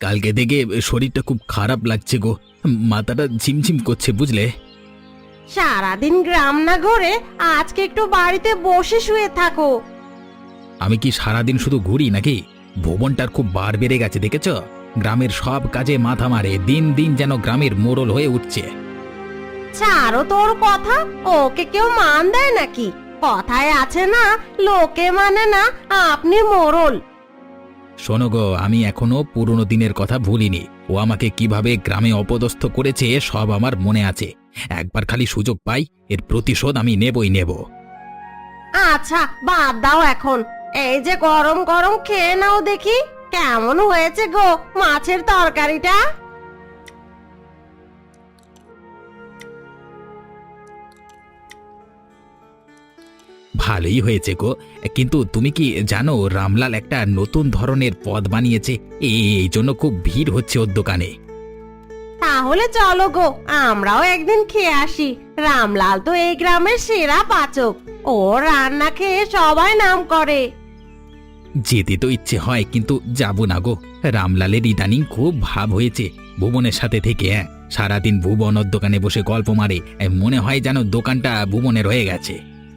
কালকে থেকে শরীরটা খুব খারাপ লাগছে গো, মাথাটা ঝিমঝিম করছে বুঝলে। সারাদিন গ্রাম না ঘুরে আজকে একটু বাড়িতে বসে শুয়ে থাকো। আমি কি সারাদিন শুধু ঘুরি নাকি? ভুবনটার খুব বার বেড়ে গেছে দেখেছ? গ্রামের সব কাজে মাথা মারে, দিন দিন যেন গ্রামের মোড়ল হয়ে উঠছে। ছাড়ো তোর কথা, ওকে কেউ মান দেয় নাকি? কথায় আছে না, লোকে মানে না আপনি মোড়ল। শোনো গো, আমি এখনো পুরনো দিনের কথা ভুলিনি। ও আমাকে কিভাবে গ্রামে অপদস্থ করেছে সব আমার মনে আছে। একবার খালি সুযোগ পাই, এর প্রতিশোধ আমি নেবই নেব। আচ্ছা বাদ দাও এখন, এই যে গরম গরম খেয়ে নাও দেখি কেমন হয়েছে গো মাছের তরকারিটা। ভালোই হয়েছে গো, কিন্তু তুমি কি জানো রামলাল একটা নতুন ধরনের পদ বানিয়েছে? এই জন্য খুব ভিড় হচ্ছে ওর দোকানে। তাহলে চলো গো, আমরাও একদিন খেয়ে আসি। রামলাল তো এই গ্রামের সেরা পাচক, ও রান্না খেয়ে সবাই নাম করে। যেতে তো ইচ্ছে হয়, কিন্তু যাব না গো। রামলালের ইদানিং খুব ভাব হয়েছে ভুবনের সাথে থেকে। সারাদিন ভুবন ওর দোকানে বসে গল্প মারে, মনে হয় যেন দোকানটা ভুবনের হয়ে গেছে।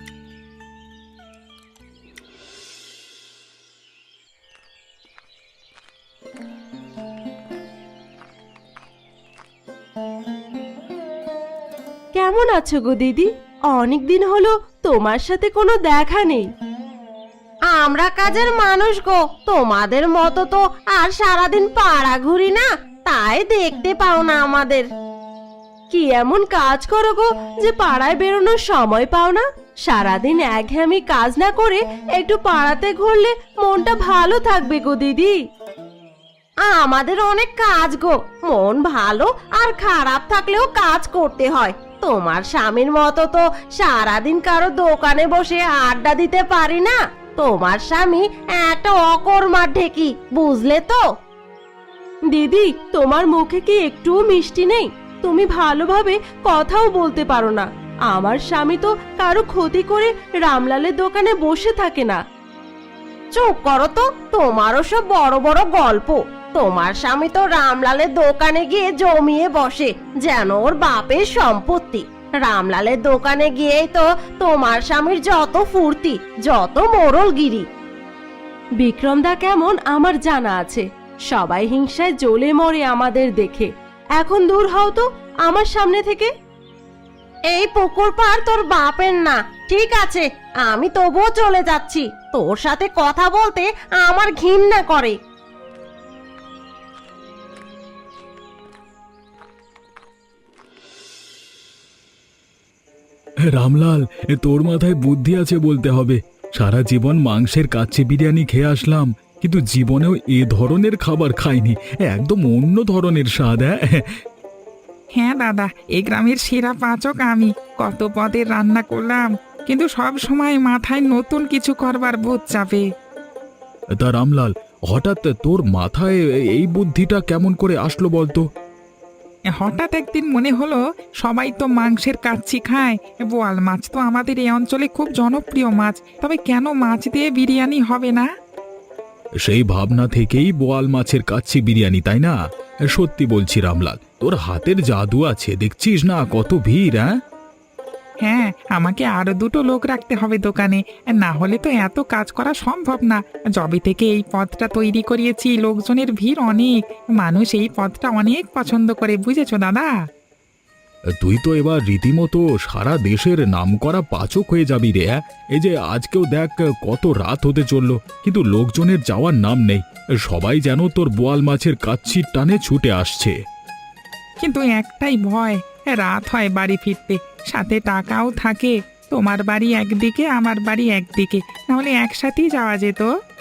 কেমন আছো গো দিদি? অনেকদিন হলো তোমার সাথে কোনো দেখা নেই। আমরা কাজের মানুষ গো, তোমাদের মতো তো আর সারাদিন পাড়া ঘুরি না, তাই দেখতে পাও না আমাদের। কি এমন কাজ করো গো যে পাড়ায় বেরোনোর সময় পাও না? সারাদিন একঘেয়েমি কাজ না করে একটু পাড়াতে ঘুরলে মনটা ভালো থাকবে গো দিদি। আমাদের অনেক কাজ গো, মন ভালো আর খারাপ থাকলেও কাজ করতে হয়। তোমার স্বামীর মতো তো সারাদিন কারো দোকানে বসে আড্ডা দিতে পারি না। তোমার স্বামী একটা অকর্মার ঢেকি, বুঝলে তো? দিদি, তোমার মুখে কি একটুও মিষ্টি নেই? তুমি ভালোভাবে কথাও বলতে পারো না। আমার স্বামী তো কারো ক্ষতি করে রামলালের দোকানে বসে থাকে না। চুপ করো তো, তোমারও সব বড় বড় গল্প। তোমার স্বামী তো রামলালের দোকানে গিয়ে জমিয়ে বসে যেন ওর বাপের সম্পত্তি। রামলালের দোকানে গিয়েই তো তোমার স্বামীর যত ফুর্তি, যত মোড়লগিরি। বিক্রমদা কেমন আমার জানা আছে, সবাই হিংসায় জ্বলে মরে আমাদের দেখে। এখন দূর হও তো আমার সামনে থেকে। এই পুকুর পার তোর বাপের না, ঠিক আছে? আমি তবুও চলে যাচ্ছি, তোর সাথে কথা বলতে আমার ঘৃণা করে। রামলাল, তোর মাথায় বুদ্ধি আছে বলতে হবে। সারা জীবন মাংসের কাচ্চি বিরিয়ানি খেয়ে আসলাম, কিন্তু জীবনেও এ ধরনের খাবার খাইনি। একদম অন্য ধরনের স্বাদ। হ্যাঁ দাদা, এই গ্রামের সেরা পাচক আমি। কত পদের রান্না করলাম, কিন্তু সব সময় মাথায় নতুন কিছু করবার বোধ চাপে। তা রামলাল, হঠাৎ তোর মাথায় এই বুদ্ধিটা কেমন করে আসলো বলতো? হঠাৎ একদিন মনে হলো সবাই তো মাংসের কাচ্চি খায়, বোয়াল মাছ তো আমাদের এই অঞ্চলে খুব জনপ্রিয় মাছ, তবে কেন মাছ দিয়ে বিরিয়ানি হবে না? সেই ভাবনা থেকেই বোয়াল মাছের কাচ্চি বিরিয়ানি, তাই না? সত্যি বলছি রামলাল, তোর হাতের জাদু আছে, দেখছিস না কত ভিড়। হ্যাঁ, আমাকে আরো দুটো লোক রাখতে হবে দোকানে, না হলে তো এত কাজ করা সম্ভব না। যবে থেকে এই পদটা তৈরি করিয়েছি লোকজনের ভিড় অনেক, মানুষ এই পদটা অনেক পছন্দ করে, বুঝেছো দাদা? তুই তো এবার রীতিমতো সারা দেশের নামকরা পাচক হয়ে যাবি রে। এই যে আজকেও দেখ কত রাত হতে চললো, কিন্তু লোকজনের যাওয়ার নাম নেই। সবাই যেন তোর বোয়াল মাছের কাচ্ছির টানে ছুটে আসছে। কিন্তু একটাই ভয়, রাত হয় বাড়ি ফিরতে, সাথে টাকাও থাকে। তোমার বাড়ি একদিকে, আমার বাড়ি একদিকে, নাহলে একসাথেই যাওয়া যেত।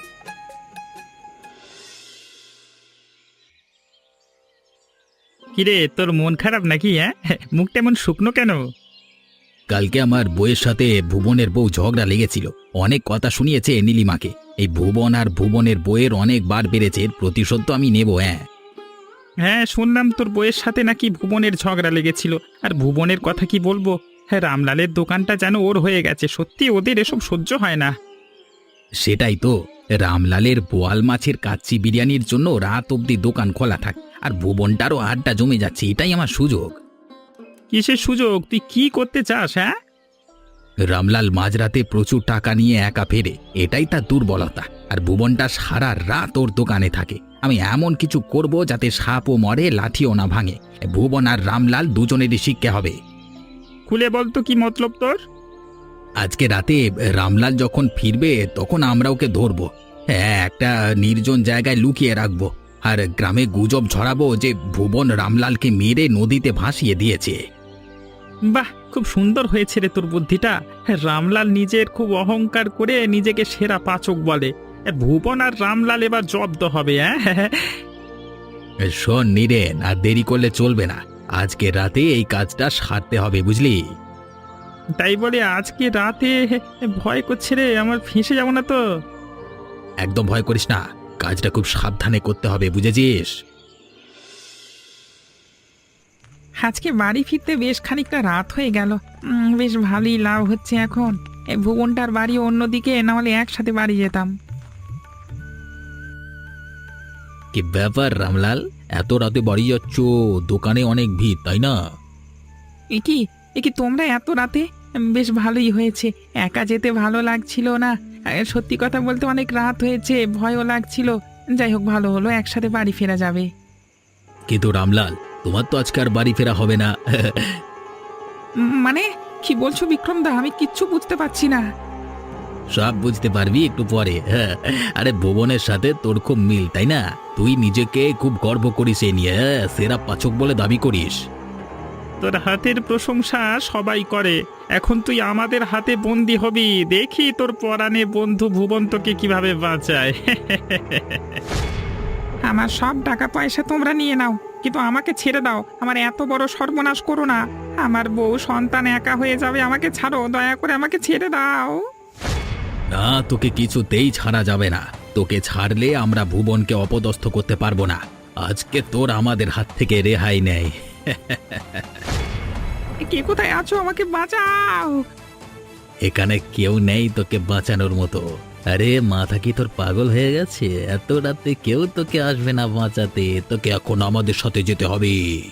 কিরে, তোর মন খারাপ নাকি? মুখটা এমন শুকনো কেন? কালকে আমার বউয়ের সাথে ভুবনের বউ ঝগড়া লেগেছিল, অনেক কথা শুনিয়েছে নীলিমাকে। এই ভুবন আর ভুবনের বউয়ের অনেক বার বেড়েছে, এর প্রতিশোধ তো আমি নেব। হ্যাঁ, শুনলাম তোর বইয়ের সাথে নাকি ভুবনের ঝগড়া লেগেছিল। আর ভুবনের কথা কি বলবো, হ্যাঁ, রামলালের দোকানটা যেন ওর হয়ে গেছে। সত্যি ওদের এসব সহ্য হয় না। সেটাই তো, রামলালের বোয়াল মাছের কাচ্চি বিরিয়ানির জন্য রাত অবধি দোকান খোলা থাক, আর ভুবনটারও আড্ডা জমে যাচ্ছে, এটাই আমার সুযোগ। কিসের সুযোগ? তুই কি করতে চাস? হ্যাঁ, রামলাল মাঝরাতে প্রচুর টাকা নিয়ে একা ফেরে, এটাই তার দুর্বলতা। আর ভুবনটা সারা রাত ওর দোকানে থাকে। আমি এমন কিছু করব যাতে সাপও মরে, লাঠিও না ভাঙে। ভুবন আর রামলাল দুজনেরই শিক্ষা হবে। খুলে বল তো কি মতলব তোর? আজকে রাতে রামলাল যখন ফিরবে তখন আমরা ওকে ধরবো। হ্যাঁ, একটা নির্জন জায়গায় লুকিয়ে রাখবো, আর গ্রামে গুজব ছড়াবো যে ভুবন রামলালকে মেরে নদীতে ভাসিয়ে দিয়েছে। বাহ, খুব সুন্দর হয়েছে রে তোর বুদ্ধিটা। রামলাল নিজের খুব অহংকার করে নিজেকে সেরা পাচক বলে। ভুবন আর রামলাল এবার জব্দ হবে। হ্যাঁ, শোন নীরেন, আর দেরি করলে চলবে না। আজকে রাতে এই কাজটা সারতে হবে, বুঝলি? তাই বলে আজকে রাতে ভয় করছে রে, আমার ফেঁসে যাবো না তো? একদম ভয় করিস না, কাজটা খুব সাবধানে করতে হবে, বুঝেছিস? আজকে বাড়ি ফিরতে বেশ খানিকটা রাত হয়ে গেল। বেশ ভালোই লাভ হচ্ছে এখন। এই ভুবনটার বাড়ি অন্যদিকে, না হলে একসাথে বাড়ি যেতাম। কি ব্যাপার রামলাল, এত রাতে বাড়ি যাচ্ছ? দোকানে অনেক ভিড়, তাই না? এ কি তোমরা এত রাতে? বেশ ভালোই হয়েছে, একা যেতে ভালো লাগছিল না। সত্যি কথা বলতে অনেক রাত হয়েছে, ভয়ও লাগছিল। যাই হোক, ভালো হলো, একসাথে বাড়ি ফেরা যাবে। কিন্তু রামলাল, তোমার তো আজকে আর বাড়ি ফেরা হবে না। মানে কি বলছো বিক্রম দা? আমি কিচ্ছু বুঝতে পারছি না। সব বুঝতে পারবি একটু পরে। আরে ভুবনের সাথে তোর খুব মিল, তাই না? তুই নিজেকে খুব গর্ব করিস এ নিয়ে, সেরা পাচক বলে দাবি করিস। তোর হাতের প্রশংসা সবাই করে, এখন তুই আমাদের হাতে বন্দি হবি। দেখি তোর পরাণে বন্ধু ভুবন তোকে কিভাবে বাঁচায়। আমার সব টাকা পয়সা তোমরা নিয়ে নাও, কিন্তু আমাকে ছেড়ে দাও। আমার এত বড় সর্বনাশ করো না। আমার বউ সন্তান একা হয়ে যাবে, আমাকে ছাড়ো, দয়া করে আমাকে ছেড়ে দাও। না, তোকে কিছুতেই ছাড়া যাবে না। তোকে ছাড়লে আমরা ভুবনকে অপদস্থ করতে পারবো না। আজকে তোর আমাদের হাত থেকে রেহাই নেই। কে কোথায় আছো? আমাকে বাঁচাও। এখানে কেউ নেই তোকে বাঁচানোর মতো। আরে মাথা কি তোর পাগল হয়ে গেছে? এত রাতে কেউ তোকে আসবে না বাঁচাতে। তোকে এখন আমাদের সাথে যেতে হবে।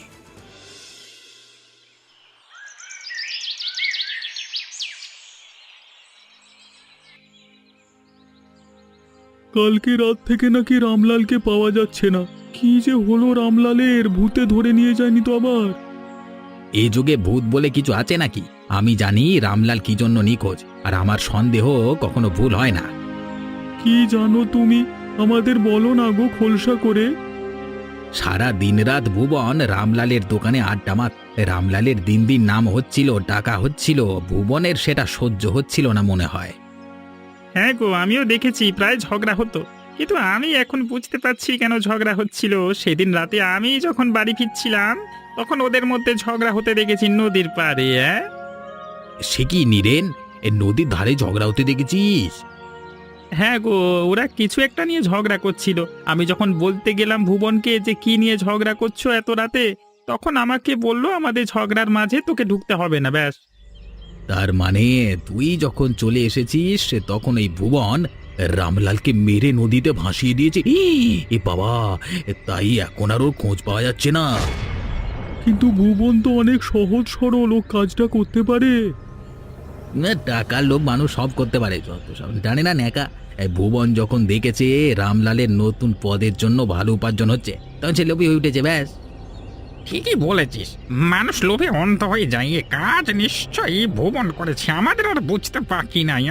কালকে রাত থেকে নাকি রামলালকে পাওয়া যাচ্ছে না। কি যে হলো রামলালের? ভূতে ধরে নিয়ে যায়নি তো আবার? এই যুগে ভূত বলে কিছু আছে নাকি? আমি জানি রামলাল কি জন্য নিখোঁজ, আর আমার সন্দেহ কখনো ভুল হয় না। কি জানো তুমি? আমাদের বলো না গো খোলসা করে। সারা দিন রাত ভুবন রামলালের দোকানে আড্ডা মার। রামলালের দিন দিন নাম হচ্ছিল, টাকা হচ্ছিল, ভুবনের সেটা সহ্য হচ্ছিল না মনে হয়। হ্যাঁ গো, আমিও দেখেছি প্রায় ঝগড়া হতো, কিন্তু আমি এখন বুঝতে পারছি কেন ঝগড়া হচ্ছিল। সেদিন রাতে আমি যখন বাড়ি ফিরছিলাম তখন ওদের মধ্যে ঝগড়া হতে দেখেছি নদীর পাড়ে। সে কি নীরেন, এ নদীর ধারে ঝগড়া হতে দেখেছিস? হ্যাঁ গো, ওরা কিছু একটা নিয়ে ঝগড়া করছিল। আমি যখন বলতে গেলাম ভুবনকে যে কি নিয়ে ঝগড়া করছো এত রাতে, তখন আমাকে বললো আমাদের ঝগড়ার মাঝে তোকে ঢুকতে হবে না, ব্যাস। তার মানে তুই যখন চলে এসেছিস তখন এই ভুবন রামলালকে মেরে নদীতে ভাসিয়ে দিয়েছে। এ বাবা, তাই এখন আর ওর খোঁজ পাওয়া যাচ্ছে না। কিন্তু ভুবন তো অনেক সহজ সরল, ও কাজটা করতে পারে। টাকার লোভ মানুষ সব করতে পারে, যত সব জানে না ন্যাকা। এই ভুবন যখন দেখেছে রামলালের নতুন পদের জন্য ভালো উপার্জন হচ্ছে, তখন সে লোভী হয়ে উঠেছে, ব্যাস। ঠিকই বলেছিস, মানুষ লোভে অন্ধ হয়ে যায়। এ কাজ নিশ্চয়ই ভুবন করেছে, আমাদের আর বুঝতে বাকি নাই।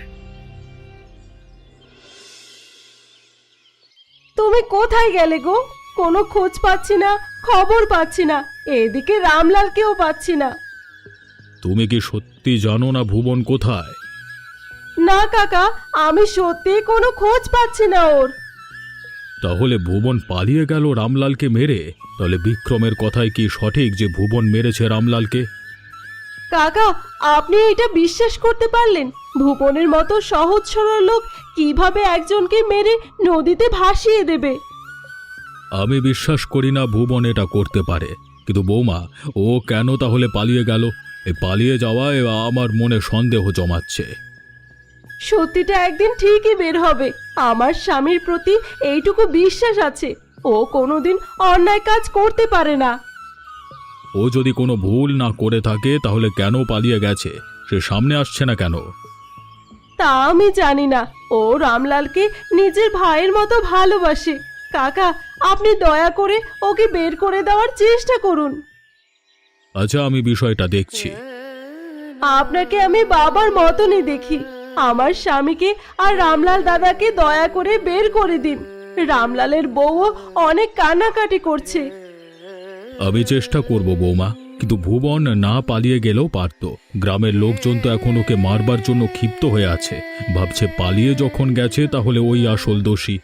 তুমি কোথায় গেলে গো? কোনো খোঁজ পাচ্ছি না, খবর পাচ্ছি না, এদিকে রামলালকেও পাচ্ছি না। তুমি কি সত্যি জানো না ভুবন কোথায়? না কাকা, আমি সত্যি কোনো খোঁজ পাচ্ছি না ওর। তাহলে ভুবন পালিয়ে গেল রামলালকে মেরে? তাহলে বিক্রমের কথাই কি সঠিক যে ভুবন মেরেছে রামলালকে? কাকা, আপনি এটা বিশ্বাস করতে পারলেন? ভুবনের মতো সহজ সরল লোক কিভাবে একজনকে মেরে নদীতে ভাসিয়ে দেবে? আমি বিশ্বাস করি না ভুবন এটা করতে পারে। কিন্তু বৌমা, ও কেন তাহলে পালিয়ে গেল? এই পালিয়ে যাওয়ায় আমার মনে সন্দেহ জমাচ্ছে। সত্যিটা একদিন ঠিকই বের হবে। আমার স্বামীর প্রতি এইটুকু বিশ্বাস আছে, ও কোনোদিন অন্যায় কাজ করতে পারে না। ও যদি কোনো ভুল না করে থাকে তাহলে কেন পালিয়ে গেছে? সে সামনে আসছে না কেন? তা আমি জানি না। ও রামলালকে নিজের ভাইয়ের মতো ভালোবাসে। কাকা, আপনি দয়া করে ওকে বের করে দেওয়ার চেষ্টা করুন। আচ্ছা, আমি বিষয়টা দেখছি। আপনাকে আমি বাবার মতনই দেখি। আমার স্বামীকে আর রামলাল দাদাকে দয়া করে বের করে দিন। রামলালের বউও অনেক কান্নাকাটি করছে। আমি চেষ্টা করব বৌমা, কিন্তু ভুবন না পালিয়ে গেলেও পারত। গ্রামের লোকজন তো এখন ওকে মারবার জন্য ক্ষিপ্ত হয়ে আছে, ভাবছে পালিয়ে যখন গেছে তাহলে ওই আসল দোষী।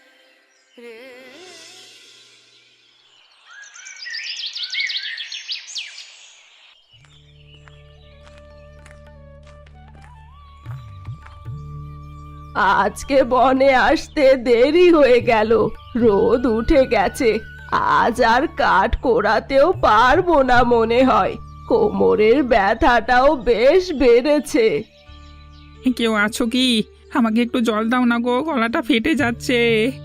আজকে বনে আসতে দেরি হয়ে গেল, রোদ উঠে গেছে। আজ আর কাঠ কোড়াতেও পারবো না মনে হয়। কোমরের ব্যথাটাও বেশ বেড়েছে। কেউ আছো কি? আমাকে একটু জল দাও না গো, গলাটা ফেটে যাচ্ছে।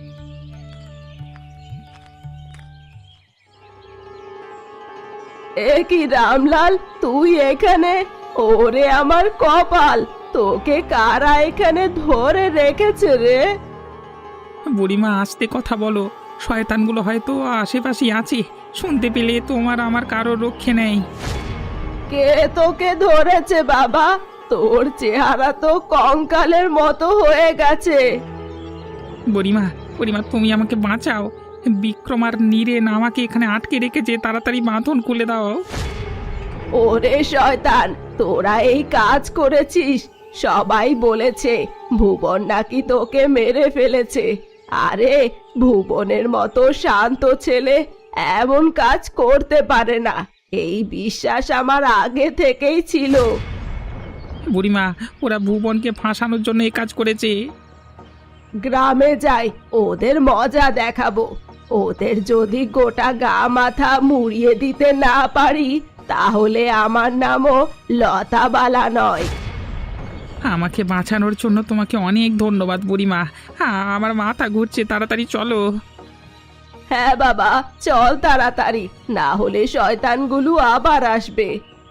এ কি রামলাল, তুই এখানে? ওরে আমার কপাল, তোকে কারা এখানে ধরে রেখেছে রে? বুড়িমা আস্তে কথা বলো, শয়তানগুলো হয়তো আশেপাশেই আছে। শুনতে পেলে তোমার আমার কারোর রক্ষে নেই। কে তোকে ধরেছে বাবা? তোর চেহারা তো কঙ্কালের মতো হয়ে গেছে। বুড়িমা, বুড়িমা তুমি আমাকে বাঁচাও। বিক্রম আর নীরেন আমাকে এখানে আটকে রেখেছে, তাড়াতাড়ি বাঁধন খুলে দাও। ওরে শয়তান, তোরা এই কাজ করেছিস? সবাই বলেছে ভুবন নাকি তোকে মেরে ফেলেছে। আরে, ভুবনের মতো শান্ত ছেলে এমন কাজ করতে পারে না, এই বিশ্বাস আমার আগে থেকেই ছিল। বুড়িমা, ওরা ভুবনকে ফাঁসানোর জন্য এই কাজ করেছে। গ্রামে যাই, ওদের মজা দেখাবো। ওদের যদি গোটা গা মাথা মুড়িয়ে দিতে না পারি, তাহলে আমার নামও লতাবালা নয়। আমাকে বাঁচানোর জন্য তোমাকে অনেক ধন্যবাদ বুড়িমা। আমার মাথা ঘুরছে, তাড়াতাড়ি চলো। হ্যাঁ বাবা, চল তাড়াতাড়ি, না হলে শয়তানগুলো আবার আসবে।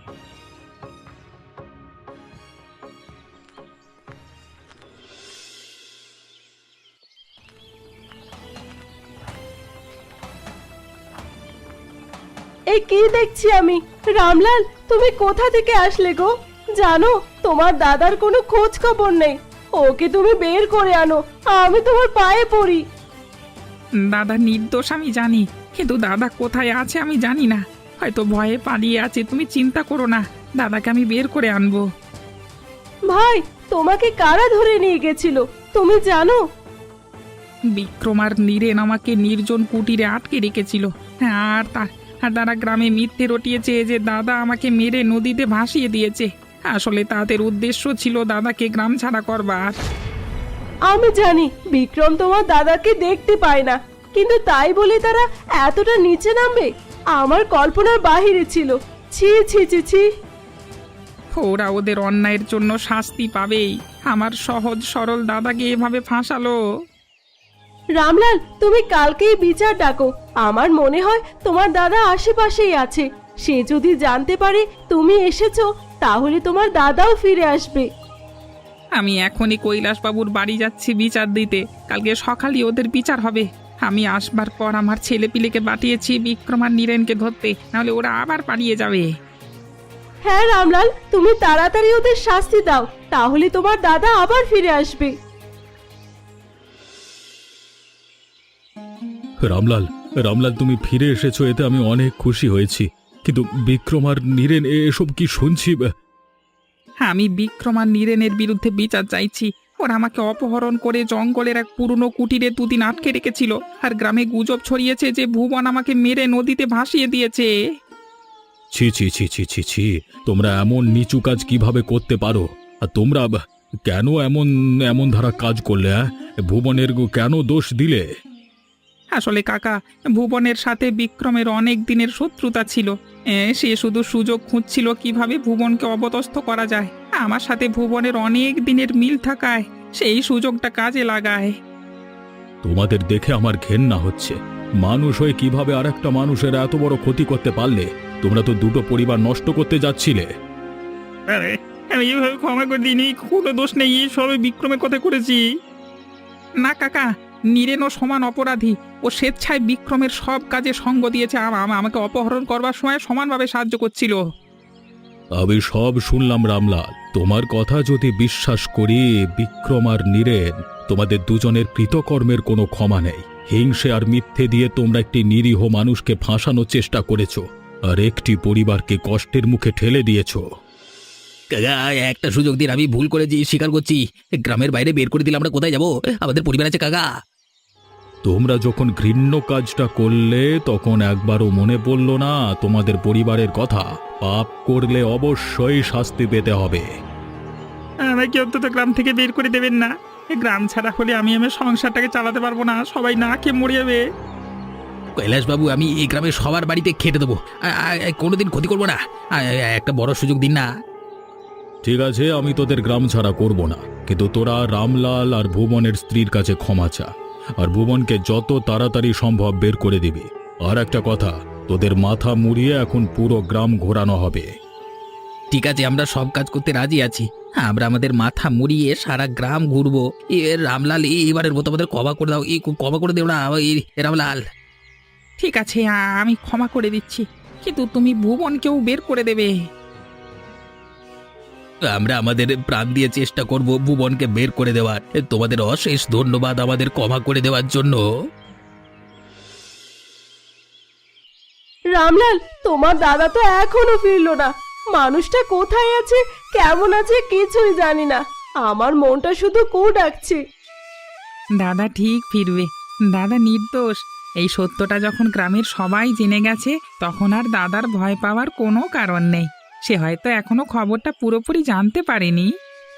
এই কি দেখছি আমি? রামলাল, তুমি কোথা থেকে আসলে গো? জানো, তোমার দাদার কোনো খোঁজ খবর নেই। ওকে তুমি বের করে আনো, আমি তোমার পায়ে পড়ি। দাদা নির্দোষ আমি জানি, কিন্তু দাদা কোথায় আছে আমি জানি না। হয়তো ভয়ে পালিয়ে আছে, তুমি চিন্তা করো না, দাদাকে আমি বের করে আনবো। ভাই, তোমাকে কারা ধরে নিয়ে গেছিল তুমি জানো? বিক্রম আর নীরেন আমাকে নির্জন কুটিরে আটকে রেখেছিল। আর তারা গ্রামে মিথ্যে রটিয়েছে যে দাদা আমাকে মেরে নদীতে ভাসিয়ে দিয়েছে। আসলে তাদের উদ্দেশ্য ছিল দাদাকে গ্রাম ছাড়া করবার। আমি জানি বিক্রম তোমার দাদাকে দেখতে পায় না, কিন্তু তাই বলে তারা এতটা নিচে নামবে? আমার কল্পনার বাহিরে ছিল। ছি ছি ছি ছি। ওরা ওদের অন্যায়ের জন্য শাস্তি পাবেই। আমার সহজ সরল দাদাকে এভাবে ফাঁসালো। রামলাল, তুমি কালকেই বিচার ডাকো। আমার মনে হয় তোমার দাদা আশেপাশেই আছে। সে যদি জানতে পারে তুমি এসেছো, তাহলে তোমার দাদাও ফিরে আসবে। আমি এখনই কৈলাসবাবুর বাড়ি যাচ্ছি বিচার দিতে। কালকে সকালই ওদের বিচার হবে। আমি আসবার পর আমার ছেলে পিলেকে পাঠিয়েছি বিক্রম আর নীরেনকে ধরতে, নাহলে ওরা আবার পালিয়ে যাবে। হ্যাঁ রামলাল, তুমি তাড়াতাড়ি ওদের শাস্তি দাও, তাহলে তোমার দাদা আবার ফিরে আসবে। রামলাল, রামলাল, তুমি ফিরে এসেছো, এতে আমি অনেক খুশি হয়েছি। কিন্তু বিক্রম আর নীরেন এসব কি শুনছি? আমি বিক্রম আর নীরেনের বিরুদ্ধে বিচার চাইছি। ওরা আমাকে অপহরণ করে জঙ্গলের এক পুরনো কুটিরে দুদিন আটকে রেখেছিল, আর গ্রামে গুজব ছড়িয়েছে যে ভুবন আমাকে মেরে নদীতে ভাসিয়ে দিয়েছে। ছি ছি ছি ছি ছি ছি, তোমরা এমন নিচু কাজ কিভাবে করতে পারো? আর তোমরা কেন এমন এমন ধারা কাজ করলে? ভুবনের কেন দোষ দিলে? আসলে কাকা, ভুবনের সাথে বিক্রমের অনেক দিনের শত্রুতা ছিল। সে শুধু সুযোগ খুঁজছিল কিভাবে ভুবনকে অপদস্থ করা যায়। আমার সাথে ভুবনের অনেক দিনের মিল থাকায় সেই সুযোগটা কাজে লাগায়। তোমাদের দেখে আমার ঘেন্না হচ্ছে। মানুষ হয়ে কিভাবে আরেকটা মানুষের এত বড় ক্ষতি করতে পারলে? তোমরা তো দুটো পরিবার নষ্ট করতে যাচ্ছিলে। আরে আমি এভাবে ক্ষমা করে দিইনি, কোনো দোষ নেই, সবে বিক্রমের কথা করেছি। না কাকা, নীরেনও সমান অপরাধী। ও স্বেচ্ছায় বিক্রমের সব কাজে সঙ্গ দিয়েছে, আমাকে অপহরণ করবার সময় সমানভাবে সাহায্য করছিল। আমি সব শুনলাম রামলাল। তোমার কথা যদি বিশ্বাস করি, বিক্রম আর নীরেন তোমাদের দুজনের কৃতকর্মের কোনো ক্ষমা নেই। হিংসে আর মিথ্যে দিয়ে তোমরা একটি নিরীহ মানুষকে ফাঁসানোর চেষ্টা করেছো আর একটি পরিবারকে কষ্টের মুখে ঠেলে দিয়েছো। কাকা একটা সুযোগ দিন, আমি ভুল করেছি, স্বীকার করছি। গ্রামের বাইরে বের করে দিলে আমরা কোথায় যাব? আমাদের পরিবার আছে কাকা। তোমরা যখন ঘৃণ্য কাজটা করলে তখন একবারও মনে পড়ল না তোমাদের পরিবারের কথা? পাপ করলে অবশ্যই শাস্তি পেতে হবে। আমাকে অন্তত গ্রাম থেকে বের করে দেবেন না। এই গ্রাম ছাড়া হলে আমি আমার সংসারটাকে চালাতে পারবো না, সবাই না খেয়ে মরে যাবে। কৈলাসবাবু, আমি এই গ্রামের সবার বাড়িতে খেটে দেবো, কোনোদিন ক্ষতি করবো না। একটা বড় সুযোগ দিন না। ঠিক আছে, আমি তোদের গ্রাম ছাড়া করব না, কিন্তু তোরা রামলাল আর ভুবনের স্ত্রীর কাছে ক্ষমা চা, আর ভুবনকে যত তাড়াতাড়ি সম্ভব বের করে দিবি। আর একটা কথা, তোদের মাথা মুড়িয়ে এখন পুরো গ্রাম ঘোরানো হবে। ঠিক আছে, আমরা সব কাজ করতে রাজি আছি। আমরা আমাদের মাথা মুড়িয়ে সারা গ্রাম ঘুরবো। রামলাল, এবারের মতো আমাদের ক্ষমা করে দাও, ক্ষমা করে দেও না রামলাল। ঠিক আছে, আমি ক্ষমা করে দিচ্ছি, কিন্তু তুমি ভুবনকেও বের করে দেবে। আমরা আমাদের প্রাণ দিয়ে চেষ্টা করব ভুবনকে বের করে দেওয়ার। তোমাদের অশেষ ধন্যবাদ আমাদের ক্ষমা করে দেওয়ার জন্য। রামলাল, তোমার দাদা তো এখনো ফিরলো না। মানুষটা কোথায় আছে, কেমন আছে কিছুই জানি না। আমার মনটা শুধু কু ডাকছে। দাদা ঠিক ফিরবে, দাদা নির্দোষ। এই সত্যটা যখন গ্রামের সবাই জেনে গেছে, তখন আর দাদার ভয় পাওয়ার কোনো কারণ নেই। সে হয়তো এখনো খবরটা পুরোপুরি জানতে পারেনি।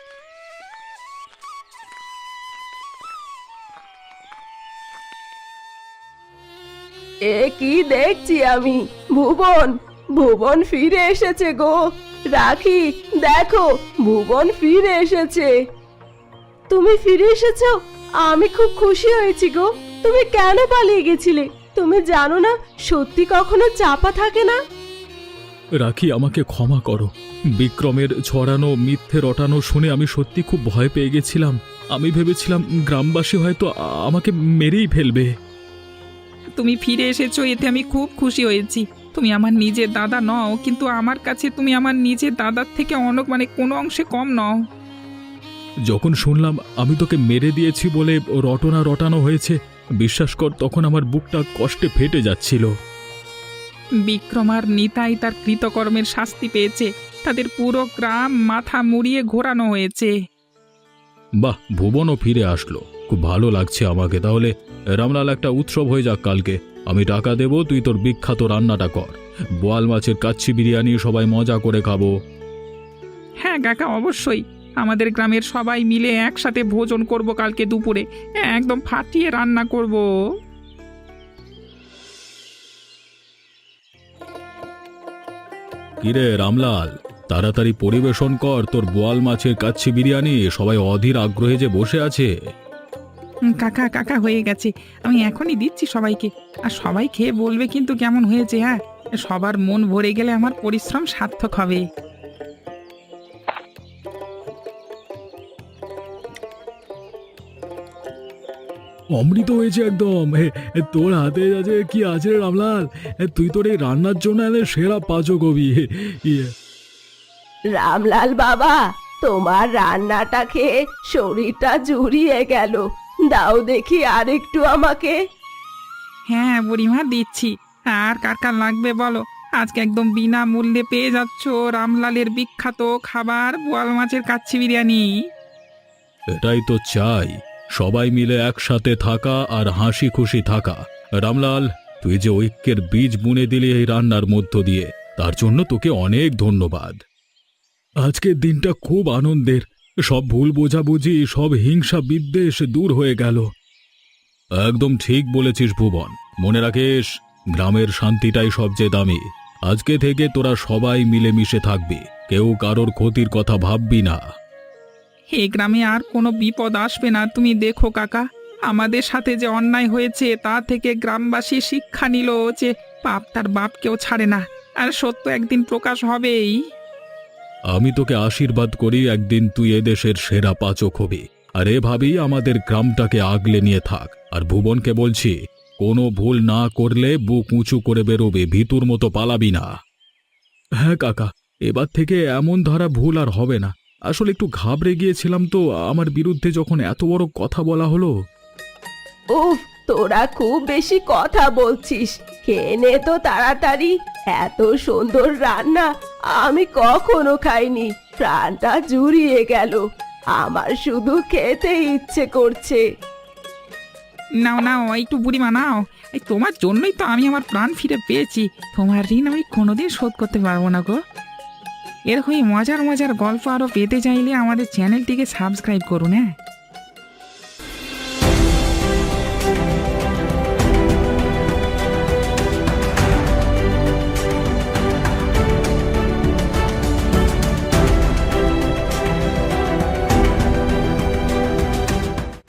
এ কি দেখছি আমি? ভুবন, ভুবন ফিরে এসেছে গো। রাখি, দেখো ভুবন ফিরে এসেছে। তুমি ফিরে এসেছো? আমি খুব খুশি হয়েছি গো। তুমি কেন পালিয়ে গেছিলে? তুমি জানো না, সত্যি কখনো চাপা থাকে না। রাখি, আমাকে ক্ষমা করো। বিক্রমের ছড়ানো মিথ্যে রটানো শুনে আমি সত্যি খুব ভয় পেয়ে গেছিলাম। আমি ভেবেছিলাম গ্রামবাসী হয়তো আমাকে মেরেই ফেলবে। তুমি ফিরে এসেছো, এতে আমি খুব খুশি হয়েছি। তুমি আমার নিজের দাদা নও, কিন্তু আমার কাছে তুমি আমার নিজের দাদার থেকে কোনো অংশে কম নও। যখন শুনলাম আমি তোকে মেরে দিয়েছি বলে রটনা রটানো হয়েছে, বিশ্বাস কর তখন আমার বুকটা কষ্টে ফেটে যাচ্ছিল। বিক্রম আর নিতাই তার কৃতকর্মের শাস্তি পেয়েছে। তাদের পুরো গ্রাম মাথা মুড়িয়ে ঘোরানো হয়েছে। বাহ, ভুবনও ফিরে আসলো, খুব ভালো লাগছে আমাকে। তাহলে রামলাল, একটা উৎসব হয়ে যাক কালকে। আমি টাকা দেব, তুই তোর বিখ্যাত রান্নাটা কর। বোয়াল মাছের কাচ্চি বিরিয়ানি সবাই মজা করে খাবো। হ্যাঁ কাকা, অবশ্যই। আমাদের গ্রামের সবাই মিলে একসাথে ভোজন করব কালকে দুপুরে। একদম ফাটিয়ে রান্না করব। কিরে রামলাল, তাড়াতাড়ি পরিবেশন কর তোর বোয়াল মাছের কাচ্চি বিরিয়ানি। সবাই অধীর আগ্রহে যে বসে আছে। কাকা কাকা, হয়ে গেছে, আমি এখনই দিচ্ছি সবাইকে। আর সবাই খেয়ে বলবে কিন্তু কেমন হয়েছে। হ্যাঁ, সবার মন ভরে গেলে আমার পরিশ্রম সার্থক হবে। অমৃত হয়েছে একদম। তোর হাতে আছে কি আছে রে রামলাল? তুই তোর এই রান্নার জন্য এলে সেরা পাচকবি। রামলাল বাবা, তোমার রান্নাটা খেয়ে শরীরটা জুড়িয়ে গেল। দাও দেখি আর একটু আমাকে। হ্যাঁ বুড়িমা, দিচ্ছি। আর কার কার লাগবে বলো? আজকে একদম বিনামূল্যে পেয়ে যাচ্ছ রামলালের বিখ্যাত খাবার, বোয়াল মাছের কাচ্চি বিরিয়ানি। এটাই তো চাই, সবাই মিলে একসাথে থাকা আর হাসি খুশি থাকা। রামলাল, তুই যে ঐক্যের বীজ বুনে দিলি এই রান্নার মধ্য দিয়ে, তার জন্য তোকে অনেক ধন্যবাদ। আজকের দিনটা খুব আনন্দের। সব ভুল বোঝাবুঝি, সব হিংসা বিদ্বেষ দূর হয়ে গেল। একদম ঠিক বলেছিস ভুবন। মনে রাখিস, গ্রামের শান্তিটাই সবচেয়ে দামি। আজকে থেকে তোরা সবাই মিলেমিশে থাকবি, কেউ কারোর ক্ষতির কথা ভাববি না। এই গ্রামে আর কোনো বিপদ আসবে না, তুমি দেখো কাকা। আমাদের সাথে যে অন্যায় হয়েছে তা থেকে গ্রামবাসী শিক্ষা নিল যে পাপ তার বাপকেও ছাড়ে না, আর সত্য একদিন প্রকাশ হবেই। আমি তোকে আশীর্বাদ করি একদিন তুই এদেশের সেরা পাচক হবি, আর এভাবেই আমাদের গ্রামটাকে আগলে নিয়ে থাক। আর ভুবনকে বলছি, কোনো ভুল না করলে বুক উঁচু করে বেরোবে, ভিতুর মতো পালাবি না। হ্যাঁ কাকা, এবার থেকে এমন ধারা ভুল আর হবে না। আসলে একটু ঘাবড়ে গিয়েছিলাম তো, আমার বিরুদ্ধে যখন এত বড় কথা বলা হলো। উফ, তোরা খুব বেশি কথা বলছিস, খেয়ে নে তো তাড়াতাড়ি। এত সুন্দর রান্না আমি কখনো খাইনি, প্রাণটা জুড়িয়ে গেল। আমার শুধু খেতে ইচ্ছে করছে। নাও নাও, একটু বুড়িমা নাও। এই তোমার জন্যই তো আমি আমার প্রাণ ফিরে পেয়েছি। তোমার ঋণ আমি কোনোদিন শোধ করতে পারবো না গো। এর হয়ে মজার মজার গল্প আরও পেতে চাইলে আমাদের চ্যানেলটিকে সাবস্ক্রাইব করুন। হ্যাঁ।